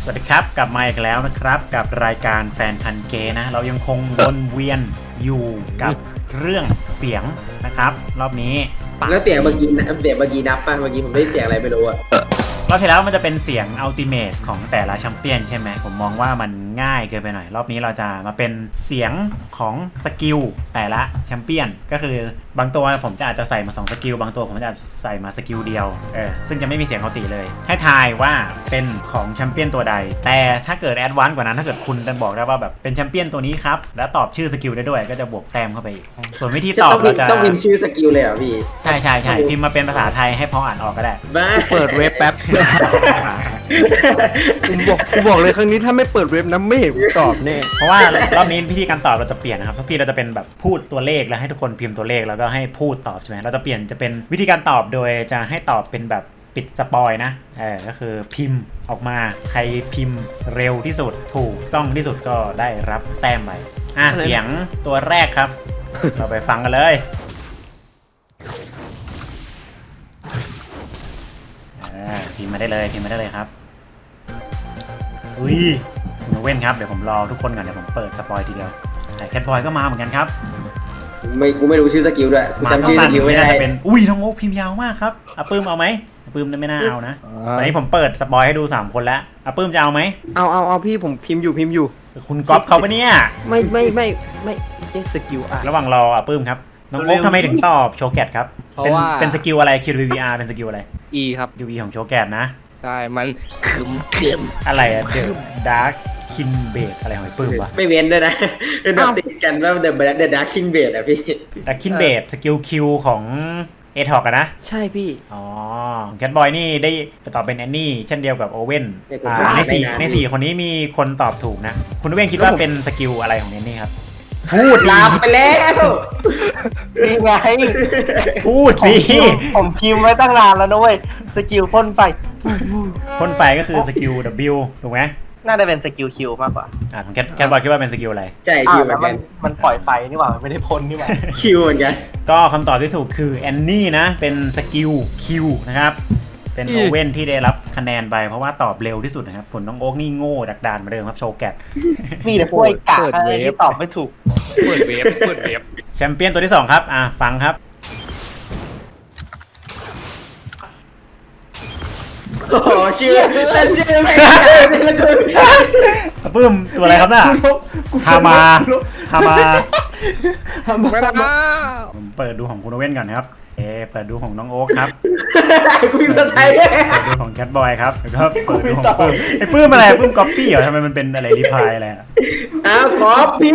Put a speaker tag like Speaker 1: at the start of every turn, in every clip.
Speaker 1: วัสดีครับกลับมาอีกแล้วนะครับกับรายการแฟนพันเกย์นะเรายังคงวนเวียนอยู่กับเรื่องเสียงนะครับรอบนี้
Speaker 2: แล้วเสียงเมื่อกี้นับป่ะเมื่อกี้ผมได้เสียงอะไรไม่รู้อะ
Speaker 1: รอบที่แล้วมันจะเป็นเสียงอัลติเมทของแต่ละแชมเปี้ยนใช่ไหมผมมองว่ามันง่ายเกินไปหน่อยรอบนี้เราจะมาเป็นเสียงของสกิลแต่ละแชมเปี้ยนก็คือบางตัวผมจะอาจจะใส่มา2สกิลบางตัวผมจะใส่มาสกิลเดียวซึ่งจะไม่มีเสียงอัลติเลยให้ทายว่าเป็นของแชมเปี้ยนตัวใดแต่ถ้าเกิดแอดวานซ์กว่านั้นถ้าเกิดคุณจะบอกได้ว่าแบบเป็นแชมเปี้ยนตัวนี้ครับแล้วตอบชื่อสกิลได้ด้วยก็จะบวกแต้มเข้าไปอีกส่วนวิธีตอบเราจะ
Speaker 2: ต้องพิมพ์ชื่อสกิลเลยเหรอพี่
Speaker 1: ใช่พิมพ์มาเป็นภาษาไทยให้พออ่านออกก็ได้
Speaker 2: บ้า
Speaker 3: เปิดเว็บแป๊บกูบอกเลยครั้งนี้ถ้าไม่เปิดเว็บนะไม่เห็นกูตอบแน่
Speaker 1: เพราะว่ารอบนี้วิธีการตอบเราจะเปลี่ยนนะครับทุกทีเราจะเป็นแบบพูดตัวเลขแล้วให้ทุกคนพิมพ์ตัวเลขแล้วก็ให้พูดตอบใช่ไหมเราจะเปลี่ยนจะเป็นวิธีการตอบโดยจะให้ตอบเป็นแบบปิดสปอยนะก็คือพิมพ์ออกมาใครพิมพ์เร็วที่สุดถูกต้องที่สุดก็ได้รับแต้มไปเสียงตัวแรกครับ เราไปฟังกันเลยพิมพ์มาได้เลยครับอุ้ยคุณเว้นครับเดี๋ยวผมรอทุกคนก่อนเดี๋ยวผมเปิดสปอยทีเดียวแต่แคทบอยก็มาเหมือนกันครับ
Speaker 2: กูไม่รู้ชื่อสกิลด้วย
Speaker 1: จำชื่อสกิลไม่ได้เป็นอุ้ยน้องโอ๊คพิมพ์ยาวมากครับปื้มเอาไหมปื้มไม่น่าเอานะตอนนี้ผมเปิดสปอยให้ดู3คนแล้วปื้มจะเอาไหม
Speaker 3: เอาพี่ผมพิมพ์อยู่
Speaker 1: คุณก๊อฟเขาปะเนี่ย
Speaker 3: ไม่สกิล
Speaker 1: ระหว่างรอปื้มครับน้องโอ๊คทำไมถึงตอบโชว์แกตครับเป็นสกิลอะไร QVR เป็นสกิลอะไร
Speaker 3: E ครับ
Speaker 1: QV ของโชว์แกตนะ
Speaker 3: ใช่มันคึม
Speaker 1: อะไรอะเดอะดาร์คคินเบดอะไรของไอ้ปื้มวะ
Speaker 2: ไม่เว้นด้วยนะเป็นแบบติดกันว่าเดอะดาร์คคิงเบดอะพี่
Speaker 1: ดาร์คคินเบดสกิลคิวของเอทอกนะ
Speaker 3: ใช่พี่
Speaker 1: แคทบอยนี่ได้ตอบเป็นแอนนี่เช่นเดียวกับโอเว่นใน4คนนี้มีคนตอบถูกนะคุณโอเว่นคิดว่าเป็นสกิลอะไรของแอนนี่ครับ
Speaker 2: พูดลามไปแล้ว
Speaker 4: นี่ไง
Speaker 1: พูดสิ
Speaker 4: ผมพิมพ์ไว้ตั้งนานแล้วนะเว้ยสกิลพ่นไฟ
Speaker 1: ก็คือสกิล W ถูกไหม
Speaker 4: น่าจะเป็นสกิลคิวมากกว่า
Speaker 1: ของแคทบอยคิดว่าเป็นสกิลอะไร
Speaker 2: ใช่คิวเหมือนกัน
Speaker 4: มันปล่อยไฟนี่หว่ามันไม่ได้พ่นนี่หว่า
Speaker 2: คิวเหมือนกัน
Speaker 1: ก็คำตอบที่ถูกคือแอนนี่นะเป็นสกิลคิวนะครับเป็นโอเว่นที่ได้รับคะแนนไปเพราะว่าตอบเร็วที่สุดนะครับผลน้องโอ๊กนี่โง่ดักดานมาเดิมครับโชว์แกต
Speaker 4: นี่แต่พวกไอ้กากที่ตอบไม่ถูก
Speaker 3: เปิดเว็บ
Speaker 1: แชมเปี้ยนตัวที่2ครับฟังครับ
Speaker 2: โอ้ชื่อไม่
Speaker 1: ปื้มตัวอะไรครับน่ะฮามา
Speaker 3: ไม่ได้
Speaker 1: ผมเปิดดูของคุณโอเว่นก่อนนะครับเปิดดูของน้องโอ๊คครับ
Speaker 2: คุยภาษาไทย
Speaker 1: เปิดดูของแคทบอยครับแล้วก็เปิดดูของปื้มไอ้ปื้มอะไรปื้มก๊อปปี้เหรอทำไมมันเป็นอะไรรีพายอะไร
Speaker 2: ก๊อปปี้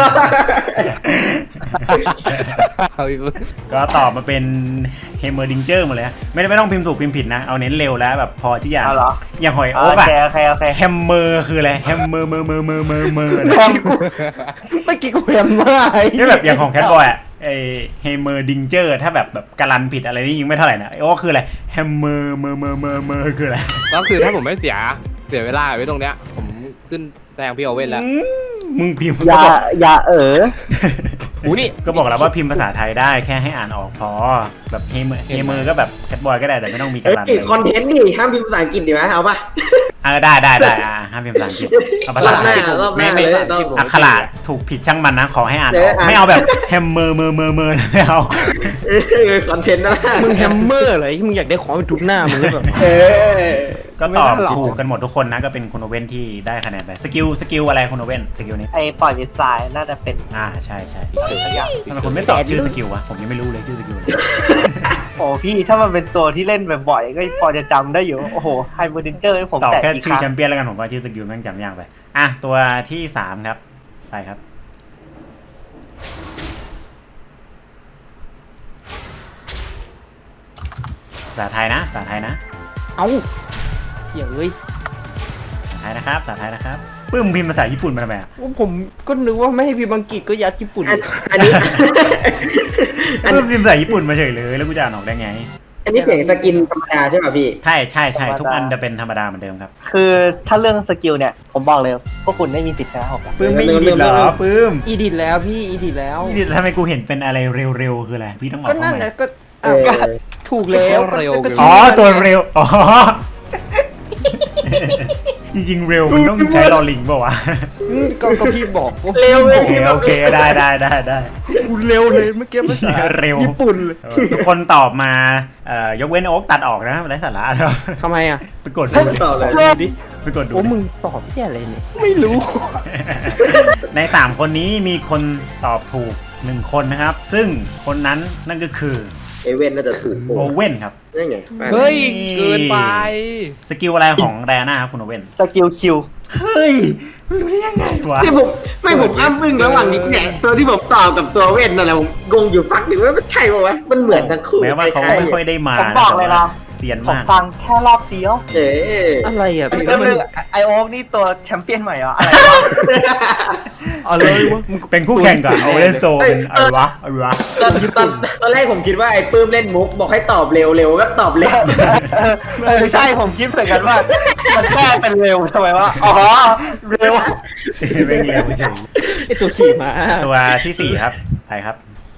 Speaker 1: ก็ตอบมาเป็นเฮมเมอร์ดิงเจอร์หมดเลยไม่ต้องพิมพ์ถูกพิมพ์ผิดนะเอาเน้นเร็วแล้วแบบพอที่อย่างหอยโอ๊กอะแฮมเมอร์คืออะไรแฮมเมอร์เมอร์
Speaker 3: เมื่อกี้กูแฮมเมอร์
Speaker 1: นี่แบบอย่างของแคทบอยอะไอเฮมเมอร์ดิงเจอร์ถ้าแบบการันผิดอะไรนี่ยิงไม่เท่าไหร่นะโอ้คืออะไรแฮมเมอร์เมอร์คืออะไร
Speaker 3: ก็คือถ้าผมไม่เสียเวลาไว้ตรงเนี้ยผมขึ้นแซงพี่โอเว่นแล้ว
Speaker 1: มึงพิมพ์
Speaker 4: อย่า
Speaker 1: นี่ก็บอกแล้วว่าพิมพ์ภาษาไทยได้แค่ให้อ่านออกพอแบบเฮมเมอร์ก็แบบแคทบอยก็ได้แต่ไม่ต้องมีการันเลย
Speaker 2: คอนเทนต์ดิห้ามพิมพ์ภาษาอังกฤษดิไหมเอาป่ะ
Speaker 1: ได้ห้ามพิมพ์ภาษาอังกฤษเอาภาษาไทยไม่อักขระถูกผิดช่างมันนะขอให้อ่านออกไม่เอาแบบแฮมเมอร์ไม่เอา
Speaker 2: คอนเทนต์นะ
Speaker 3: มึงแฮมเมอร์อะไรมึงอยากได้ของไปทุบหน้ามึงแบบ
Speaker 1: ก็ตอบถูกกันหมดทุกคนนะก็เป็นคุณโอเว่นที่ได้คะแนนไปสกิลอะไรคุณโอเว่นสกิลนี้
Speaker 4: ไอ้ปล่อยวิดไซน์น่าจะเป็น
Speaker 1: ใช่ทำไมคุณไม่ตอบชื่อสกิลวะผมยังไม่รู้เลยชื่อสกิลอะไร
Speaker 4: โอ้พี่ถ้ามันเป็นตัวที่เล่นบ่อยๆก็พอจะจำได้อยู่โอ้โหไฮเบอร์ดินเจอร์ผม
Speaker 1: ตอบแค่ชื่อแชมเปี้ยนแล้วกันผมว่าชื่อสกิลแม่งจำยากไปตัวที่3ครับไปครับภาษาไทยนะ
Speaker 3: เอ้าเหี้ยเอ้ย
Speaker 1: ภาษาไทยนะครับปื้มพิมพ์ภาษาญี่ปุ่นมาทำไม
Speaker 3: ผมก็นึกว่าไม่ให้พิมพ์อังกฤษก็ยัดญี่ปุ่น
Speaker 2: อันนี้
Speaker 1: ปื้มพิมพ์ภาษาญี่ปุ่นมาเฉยเลยแล้วกูจะอ่านออกได้ไง
Speaker 2: อันนี้เสียงสกินธรรมดาใช่ป่ะพี่
Speaker 1: ใช่ทุกอันจะเป็นธรรมดาเหมือนเดิมครับ
Speaker 4: คือถ้าเรื่องสกิลเนี่ยผมบอกเลยพวกคุณไม่มีสิทธิ์ชนะผม
Speaker 1: ปื้มไม่อีดิทเหรอปื้ม
Speaker 3: อีดิทแล้วพี่อีดิทแล้ว
Speaker 1: ทำไมกูเห็นเป็นอะไรเร็วคืออะไรพี่ต้องบอก
Speaker 3: ก็นั่นแหละก็ถูกแล้ว
Speaker 1: ตัวเร็วจริงๆเร็วมันต้องใช้ลอลิงเปล่าวะ
Speaker 3: ก็พี่บอกว่า
Speaker 2: เร็วเล
Speaker 1: โอย เคโอเคได้
Speaker 3: กูเร็วเลยเมื่อกี้ภาษา
Speaker 1: เร็ว
Speaker 3: ญี่ปุ่นเลย
Speaker 1: ทุกคนตอบมายกเว้นโอ๊กตัดออกนะไร้สาระครับ
Speaker 3: ทำไมอ่ะ
Speaker 1: ไปกดดูดิ
Speaker 2: ต่อเลย
Speaker 1: ไปกดดู
Speaker 3: โอ้
Speaker 1: ดิ
Speaker 3: มึงตอบแค่อะไรเนี่ยไม่รู้
Speaker 1: ใน3คนนี้มีคนตอบถูก1คนนะครับ ซึ่งคนนั้นนั่นก็คือ
Speaker 2: เอเว่นน่าจะถูก
Speaker 1: โอเว่นครับ
Speaker 2: นั่นไง
Speaker 3: เฮ้ยเกินไป
Speaker 1: สกิลอะไรของแดน่าครับคุณโอเว่น
Speaker 4: สกิลคิว
Speaker 1: เฮ้ยรู้ได้ยังไงวะ
Speaker 2: ที่ผมอ้ำอึ้งระหว่างนี้เนี่ยตัวที่ผมตอบกับตัวเว่นนั่นแหละผมงงอยู่พักหนึ่งว่ามันใช่ป่าวะมันเหมือนทั้งคู่
Speaker 1: แม้ว่าเขาไม่ค่อยได้มา
Speaker 4: ผมบอกเลยนะ
Speaker 1: เซียน
Speaker 4: ผม
Speaker 1: มาก
Speaker 4: ฟังแค่รอบเดียว
Speaker 2: เอ๊ะ
Speaker 3: อะไรอ่ะพี่
Speaker 4: เริ่ม
Speaker 3: มัน
Speaker 4: เลยไอโอ๊กนี่ตัวแชมเปี้ยนใหม่เหรออะไรวะ
Speaker 3: อะไรวะมึง
Speaker 1: เป็นคู่แข่งกับโอเว่นโซเป็นอะไรวะ
Speaker 2: ตอนแรกผมคิดว่าไอ้ปื้มเล่นมุกบอกให้ตอบเร็วก็ตอบเร็ว
Speaker 4: ใช่ผมคิดเหมือนกันว่า มันแค่เป็นเร็วทำไมวะอ๋อเร็ว
Speaker 1: เร่งเร็วเฉย
Speaker 3: ไอตัวขี่ม้า
Speaker 1: ตัวที่ 4 ครับไปครับ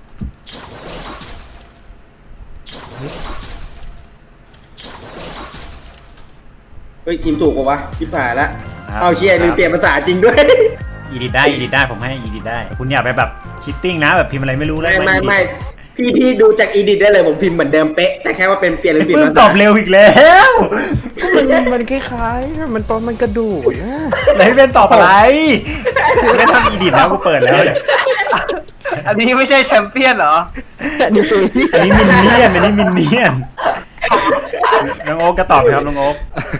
Speaker 2: เฮ้ยกินถูกป่าวะชิบหายละ
Speaker 1: ครับ
Speaker 2: เอาเชียร์ลืมเปลี่ยนภาษาจริงด้วย
Speaker 1: อีดิทได้ผมให้อีดิทได้คุณอย่าไปแบบชิตติ้งนะแบบพิมพ์อะไรไม่รู้แล้ว
Speaker 2: ไม่พี่ดูจากอีดิทได้เลยผมพิมพ์เหมือนเดิมเป๊ะแต่แค่ว่าเป็นเปลี่ยนหรือเปลี่ยน
Speaker 1: เพิ่ง
Speaker 2: ภา
Speaker 1: ต
Speaker 2: ษา
Speaker 1: อบเร็วอีกแล้ว
Speaker 3: มันคล้ายๆมันตอนมันกระโดดนะ
Speaker 1: ไหนเป็นตอบอะไรไม่ทำอีดิทแล้วกูเปิดแล้วเนี่ย
Speaker 4: อันนี้ไม่ใช่แชมเปี้ยนเหรอ
Speaker 3: แต่นี่ตัวนี้
Speaker 1: อันนี้มินเนียนน้องโอ๊กก็ตอบครับน้องโอ๊ก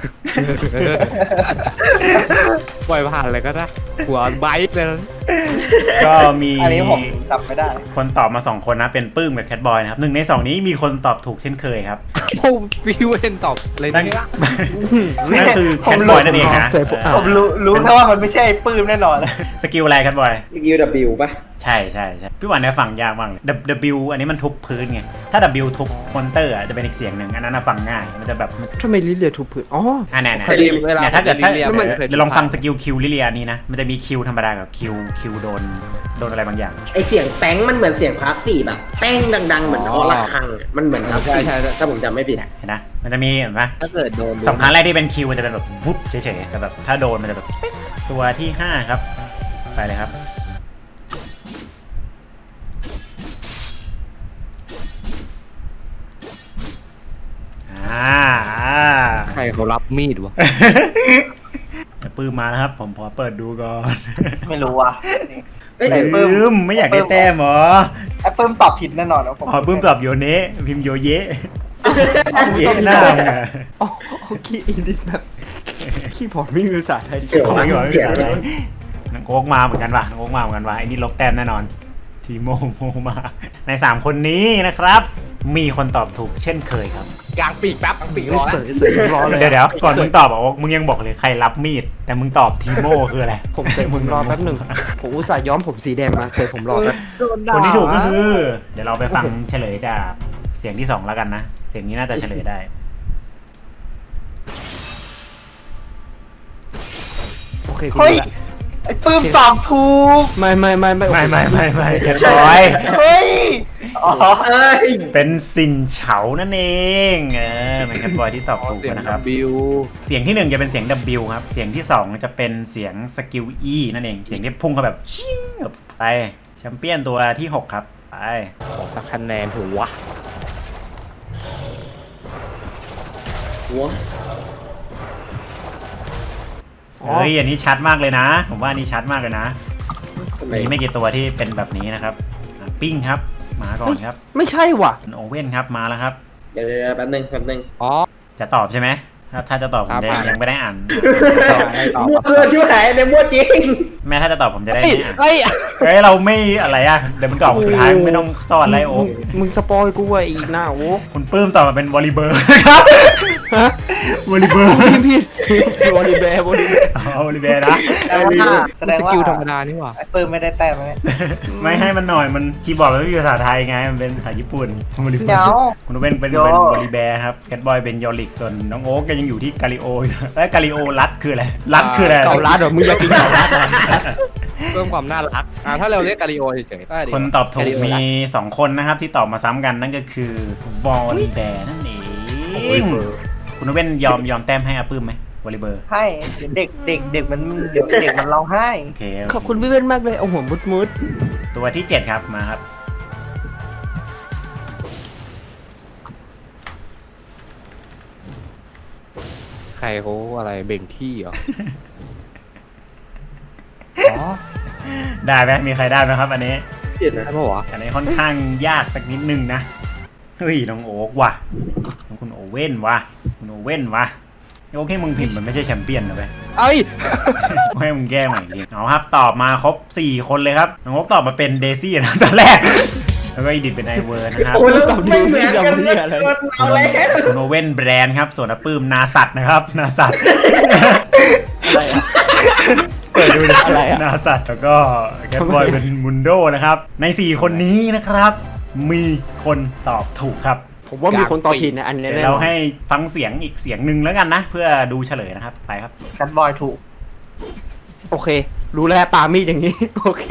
Speaker 3: ปล่อยผ่านเลยก็ได้หัวไบค์เลย
Speaker 1: ก็มี
Speaker 4: อันนี้ผมจำไม่ได้
Speaker 1: คนตอบมา2คนนะเป็นปื้มกับแคทบอยนะครับ1 ใน 2นี้มีคนตอบถูกเช่นเคยครับ
Speaker 3: โอ้พี่เวนตอบเลย
Speaker 1: นั่น
Speaker 3: เนี่ย
Speaker 1: นั่นคือแคทบอยนั่นเองนะ
Speaker 4: ผมรู้แค่ว่ามันไม่ใช่ปื้มแน่นอน
Speaker 1: สกิลอะไรแคทบอย
Speaker 2: ยูดับบิวป่ะ
Speaker 1: ใช่พี่หวานเนี่ยฟังยากมากเลย W อันนี้มันทุบพื้นไงถ้า W ทุบมอนเตอร์อ่ะจะเป็นอีกเสียงหนึ่งอันนั้นนะฟังง่ายมันจะแบบ
Speaker 3: ทำไมลิเลียถูกผืนอ๋อ
Speaker 1: แน่
Speaker 3: เคยได้ยินเวลา
Speaker 1: เนี่ยถ้าเกิด
Speaker 3: ลิเลีย
Speaker 1: ถ้า
Speaker 3: มันเคย
Speaker 1: เดี๋ยวลองฟังสกิลคิวลิเลียนี้นะมันจะมีคิวธรรมดากับคิวโดนอะไรบางอย่าง
Speaker 2: ไอเสียงแป้งมันเหมือนเสียงพาสซีฟแบบแป้งดังๆเหมือนคอระฆังอะมันเหมือนพาสซีฟ
Speaker 3: ใช่
Speaker 2: ถ้าผมจำไม่ผิด
Speaker 1: เห็นนะมันจะมีเห็นไหม
Speaker 3: ถ้าเกิดโดน
Speaker 1: สองครั้งแรกที่เป็นคิวมันจะเป็นแบบวุบเฉยๆแต่แบบถ้าโดนมันจะแบบปิ๊งตัวที่5ครับไปเลยครับ
Speaker 3: ใครเขารับมีดวะ
Speaker 1: ปื้มมานะครับผมขอเปิดดูก่อน
Speaker 4: ไม่รู้ว่ะ
Speaker 2: เอ้ย
Speaker 4: ไอ้ปื้
Speaker 1: ปื้มไม่อยากได้แต้มเหรอ
Speaker 4: ไอ้ปื้มตอบผิดแน่นอนนะผม
Speaker 1: อ๋อปื้มตอบโยเนะพิมพ์โยเยะเยะหน้ามึงอะ
Speaker 3: อ๋อขี้อินดิแบบขี้พอดไม่มีภาษาไทย
Speaker 2: เดี๋ยว
Speaker 1: ขอ
Speaker 2: ฟัง
Speaker 1: ก่อน
Speaker 2: เสียงอะไร
Speaker 1: น้องโอ๊กมาเหมือนกันว่ะน้องโอ๊กมาเหมือนกันว่ะไอ้นี่ลบแต้มแน่นอนทีโมมาใน3คนนี้นะครับ มีคนตอบถูกเช่นเคยครับ
Speaker 3: กลางปีกแป๊บกลางปีกรอเสยรอเลย
Speaker 1: เดี๋ยวก่อนมึงตอบอ่ะโอ๊กมึงยังบอกเลยใครรับมีดแต่มึงตอบทีโมคืออะไร
Speaker 3: ผมเสยผมรอแป๊บหนึ่งผมอุตส่าห์ย้อมผมสีแดงมาเสยผมรอแป๊บ
Speaker 1: คนที่ถูกก็คือ เดี๋ยวเราไปฟังเฉลยจากเสียงที่2แล้วกันนะเสียงนี้น่าจะเฉลยได้
Speaker 3: โอเค
Speaker 4: เฮ้ยไอ้ปื้มตอบถูก
Speaker 3: ไม่
Speaker 1: ไม่แคทบอย
Speaker 4: เฮ้ยอ๋อ
Speaker 2: เอ้ย
Speaker 1: เป็นสินเฉานั่นเองเป็นแคทบอยที่ตอบถูกนะครับ
Speaker 3: บิว
Speaker 1: เสียงที่1จะเป็นเสียง W ครับ เสียงที่2จะเป็นเสียงสกิล E นั่นเอง เสียงที่พุ่งเข้าแบบชิ่งแบบไปแชมเปี้ยนตัวที่6ครับไป
Speaker 3: ขอสักคะแนนถือวะ
Speaker 2: หัว
Speaker 1: เฮ้ยอันนี้ชัดมากเลยนะ ผมว่าอันนี้ชัดมากเลยนะ
Speaker 2: ทำไม
Speaker 1: มีไม่กี่ตัวที่เป็นแบบนี้นะครับปิ้งครับมาก่อนครับ
Speaker 3: ไม่ใช่ว่ะ
Speaker 1: โอเว่นครับมาแล้วครับ
Speaker 2: เดี๋ยวแป๊บนึง
Speaker 3: อ๋อ
Speaker 1: จะตอบใช่ไหมถ้าจะตอบผม
Speaker 3: ครับ
Speaker 1: ยังไม่ได้อ่าน
Speaker 2: มั่วชิวหายในมั่วจริง
Speaker 1: แม่ถ้าจะตอบผมจะได้
Speaker 3: เฮ้ย
Speaker 1: ไม่อ่าน
Speaker 3: เฮ้ย
Speaker 1: เฮ้ยเราไม่อะไรอ่ะเดี๋ยวมึงตอบสุดท้ายมึงไม่ต้องซ่อนอะไรโอ้
Speaker 3: มึงสปอยกูไว้อีกหน้าโอ้
Speaker 1: คุณปื้มตอบมาเป็นวอลลีเบอร์นะครับ
Speaker 3: ฮะ
Speaker 1: วอลลีเบอร์
Speaker 3: พี่บอลลีแบร์บอลลีแบร์
Speaker 1: อ๋อวอลลีเบอร์นะ
Speaker 4: แสดง
Speaker 3: ส
Speaker 4: ว่า
Speaker 3: กิลธรรมดานี่หว่า
Speaker 4: ไอ้ปื้มไม่ได้แต้มไหม
Speaker 1: ไม่ให้มันหน่อยมันคีย์บอร์ดมันไม่มีภาษาไทยไงมันเป็นภาษาญี่ปุ่นวอลลีเบอ
Speaker 4: เดี๋ยว
Speaker 1: ร์คุณเป็น
Speaker 4: โย
Speaker 1: วอลลีแบร์ครับแคทบอยเป็นยอริกส่วนน้องโอ๊กก็ยังอยู่ที่กาลิโออยู่แล้วกาลิโอรัดคืออะไรรัดคืออะไร
Speaker 3: เก่ารัดเหรอมึงอยากกินเก่ารัดเหรอเพิ่มความน่ารักถ้าเราเรียกกาลิโอเฉยๆได้ดี
Speaker 1: คนตอบถูกมี2คนนะครับที่ตอบมาซ้ำกันนั่นก็คือวอลลีแบร์นั่นเองคุณเว้นยอมแต้มให้อาปื้มไหมวอลเลย์เบอร์
Speaker 4: ให้เดี๋ยวเด็กมันเดี๋ยวเด็กมันร้องไห้
Speaker 1: โอเค
Speaker 5: ขอบคุณพี่เว้นมากเลยเอาหัวมุด
Speaker 1: ตัวที่ 7 ครับมาครับ
Speaker 3: ใครเขาอะไรเบ่งขี้เหรอ อ๋อ
Speaker 1: ได้ไหมมีใครได้ไหมครับอันนี้
Speaker 2: เปลี่ยนนะ
Speaker 3: ใช่ปะวะ
Speaker 1: อันนี้ค่อนข้างยากสักนิดนึงนะเฮ้ยน้องโอ๊กว่ะน้องคุณโอเว่นว่ะคุณโอเว่นว่ะโอเคมึงผิดมันไม่ใช่แชมเปี้ยนนะเว้ย
Speaker 3: เอ้ย
Speaker 1: ให้มึงแก้ใหม่อีกทีเอาครับตอบมาครบ4 คนเลยครับน้องโอ๊กตอบมาเป็นเดซี่นะตอนแรกแล้วก็อีดิทเป็นไอเวอร์นะครับ
Speaker 2: โอ้แล้วไม่เหมือนกันเลยเอาแล้ว
Speaker 1: คุณโอเว่นแบรนด์ครับส่วนอาปื้มนาสัตว์นะครับนาสัตว์
Speaker 5: อะไรอะ
Speaker 1: เปิดดูดิ
Speaker 5: อะไรอะ
Speaker 1: นาสัตว์แล้วก็แคทบอยเป็นมุนโดนะครับใน4 คนนี้นะครับ มีคนตอบถูกครับ
Speaker 5: ๆผมว่ามีคนตอบผิดนะอันนี้
Speaker 1: เดี๋ยว
Speaker 5: แน่น
Speaker 1: เรา
Speaker 5: อน
Speaker 1: ให้ฟังเสียงอีกเสียงหนึ่งแล้วกันนะ เพื่อดูเฉลยนะครับไปครับ
Speaker 4: แคทบอยถูก
Speaker 5: โอเค รู้แล้วปามีดอย่างนี้ โอเค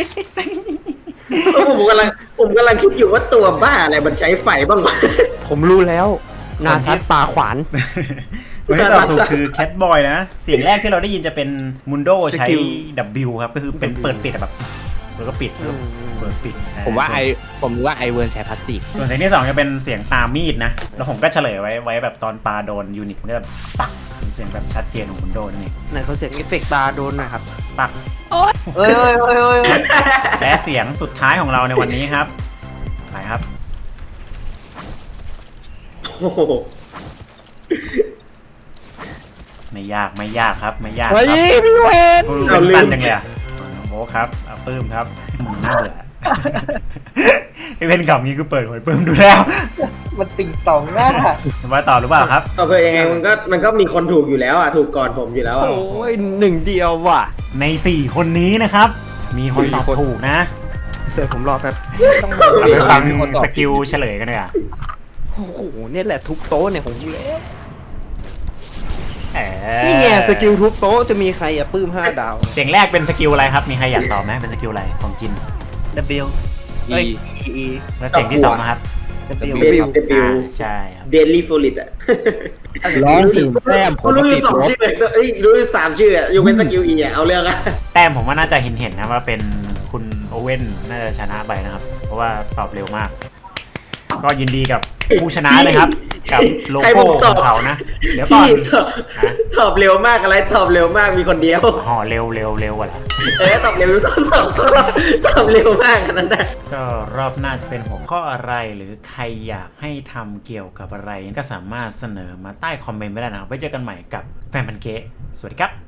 Speaker 2: ผมกำลังคิดอยู่ว่าตัวบ้าอะไรมันใช้ไฟบ้างวะ
Speaker 5: ผมรู้แล้ว นาซัดปลาขวาน
Speaker 1: คนที่ตอบถูกคือแคทบอยนะ เสียงแรกที่เราได้ยินจะเป็นมุนโดใช้
Speaker 5: สกิล
Speaker 1: W ครับ ก็คือเป็นเปิดปิดอะแบบแล้วก็ปิดแล้วก็เปิดปิด
Speaker 3: ผมว่าไอเวิร์นใช้พลาสติก
Speaker 1: ส่วนเสียงที่ 2 จะเป็นเสียงตามีดนะ แล้วผมก็เฉลยไว้แบบตอนปลาโดนยูนิตมันก็แบบปักเสียงแบบชัดเจนของมุนโดนั่นเอง
Speaker 5: ไหนเขาเสียงเอฟเฟกต์ปลาโดนหนะครับ
Speaker 1: ปัก
Speaker 4: เอ้ย
Speaker 1: และเสียงสุดท้ายของเราในวันนี้ครับไปครับ
Speaker 2: โอ้โห
Speaker 1: ไม่ยากครับไม่ยากค
Speaker 5: เฮ้
Speaker 1: รั
Speaker 5: ย
Speaker 1: บ
Speaker 5: พี่เวน
Speaker 1: เป็นสั้นจังเลยอ่ะน้องโบ๊คครับเอาปื้มครับมึงน่าเบื่อ ไอเป็นคำนี้คือเปิดหวยปื้มดูแล้ว
Speaker 4: มันติ่งต่องหน้า
Speaker 1: ว่าต่อหรือเปล่าครับ
Speaker 2: เอาเพื่อยังไงมันก็มีคนถูกอยู่แล้วอ่ะถูกก่อนผมอยู่แล้วอ่ะ
Speaker 5: โอ้ยหนึ่งเดียวว่ะ
Speaker 1: ใน 4 คนนี้นะครับ มีคนตอบถูกนะ
Speaker 5: เสิร์ฟผมรอครับ
Speaker 1: เราไปฟังสกิลเฉลยกันเลยอ่ะ
Speaker 5: โอ้โหเนี่ยแหละทุบโต๊ะเนี่ยผมรู้แล้ว
Speaker 1: เออ
Speaker 5: นี่ไงสกิลทุบโต๊ะจะมีใครอะปื้ม5 ดาว
Speaker 1: เสียงแรกเป็นสกิลอะไรครับ มีใครอยากตอบไหมเป็นสกิลอะไรของจิน
Speaker 4: W เอ้ย E
Speaker 1: แล้วเสียงที่ 2 นะครับ
Speaker 4: W
Speaker 2: เดบิว
Speaker 1: ใช่ครับ
Speaker 2: เดลี่โฟลิตอ่ะ
Speaker 3: ร้องถึงแต้มผม
Speaker 2: รู้อ
Speaker 3: ติ
Speaker 2: ยู่
Speaker 3: ด
Speaker 2: สอง
Speaker 3: ลบ
Speaker 2: ชื่อเอ้ยรู้อยู่3 ชื่ออ่ะยกเว้นสกิลอีอ่ะเอาเรื่องอ่ะ
Speaker 1: แต้มผมว่าน่าจะเห็นนะว่าเป็นคุณโอเว่นน่าจะชนะไปนะครับ เพราะว่าตอบเร็วมาก ก็ยินดีกับผู้ชนะเลยครับ กับโล
Speaker 2: ใคร
Speaker 1: โก้
Speaker 2: บอก
Speaker 1: ข
Speaker 2: ตอ
Speaker 1: อบ งเขานะ เดี๋ยวก่อ
Speaker 2: พี่
Speaker 1: น
Speaker 2: ตอบเร็วมากอะไรตอบเร็วมากมีคนเดียว
Speaker 1: ห่อเร็วกว่าละ
Speaker 2: ตอบเร็วตอบเร็วมากขนาดนั้นนะ
Speaker 1: ก็รอบหน้าจะเป็นหัวข้ออะไรหรือใครอยากให้ทำเกี่ยวกับอะไร ก็สามารถเสนอมาใต้คอมเมนต์ไม่ได้นะครับไว้เจอกันใหม่กับแฟนพันเกะสวัสดีครับ